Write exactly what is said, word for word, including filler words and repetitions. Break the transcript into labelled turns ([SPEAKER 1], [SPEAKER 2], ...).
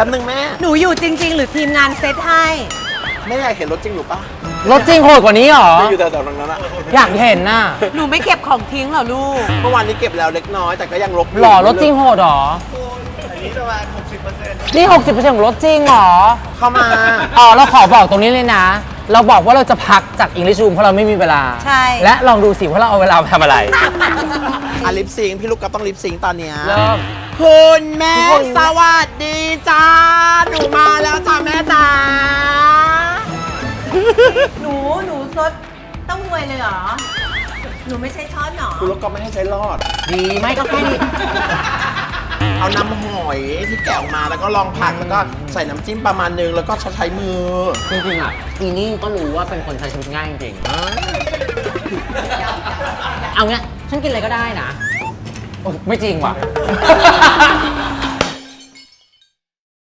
[SPEAKER 1] ป๊บนึงแม่
[SPEAKER 2] หนูอยู่จริงๆหรือทีมงานเซตให้
[SPEAKER 1] แม่อยากเห็นรถจริงหรือปะ
[SPEAKER 3] รถจริงโหดกว่านี้หรอ
[SPEAKER 1] อยู่แถวๆตรงนั้นอะ
[SPEAKER 3] อยากเห็นน่ะ
[SPEAKER 2] หนูไม่เก็บของทิ้งเหรอลูก
[SPEAKER 1] เมื่อวานนี้เก็บแล้วเล็กน้อยแต่ก็ยังลบ
[SPEAKER 3] หล่อรถจริงโหดหรอ
[SPEAKER 1] อันนี้ประมาณหกสิบเปอร์เซ็นต์
[SPEAKER 3] นี่ หกสิบเปอร์เซ็นต์ ของรถจริงหรอ
[SPEAKER 1] เข้ามา
[SPEAKER 3] อ๋อเราขอบอกตรงนี้เลยนะเราบอกว่าเราจะพักจากอังกฤษรูมเพราะเราไม่มีเวลา
[SPEAKER 2] ใช่
[SPEAKER 3] และลองดูสิว่าเราเอาเวลาไปทำอะไร
[SPEAKER 1] อ่ะลิปซิงพี่ลูกกับต้องลิปซิงตอนเนี้ย
[SPEAKER 3] เริ่ม
[SPEAKER 1] คุณแม่สวัสดีจ้าหนูมาแล้วจ้าแม่จ้า
[SPEAKER 2] หนูหนูซดต้องรวยเลยเหรอหนูไม่ใช่ช้อนหรอ
[SPEAKER 1] คุณลูกก็ไม่ให้ใช้รอด
[SPEAKER 3] ดีไม่ก็แค่นี้
[SPEAKER 1] เอาน้ำหอยที่แกะออกมาแล้วก็ลองผักแล้วก็ใส่น้ำจิ้มประมาณนึงแล้วก็ใช้มือ
[SPEAKER 3] จริงๆอ่ะอีนี่ก็รู้ว่าเป็นคนใช้ชีวิตง่ายจริงเอาเงี้ยฉันกินอะไรก็ได้นะโอ้ไม่จริงว่ะ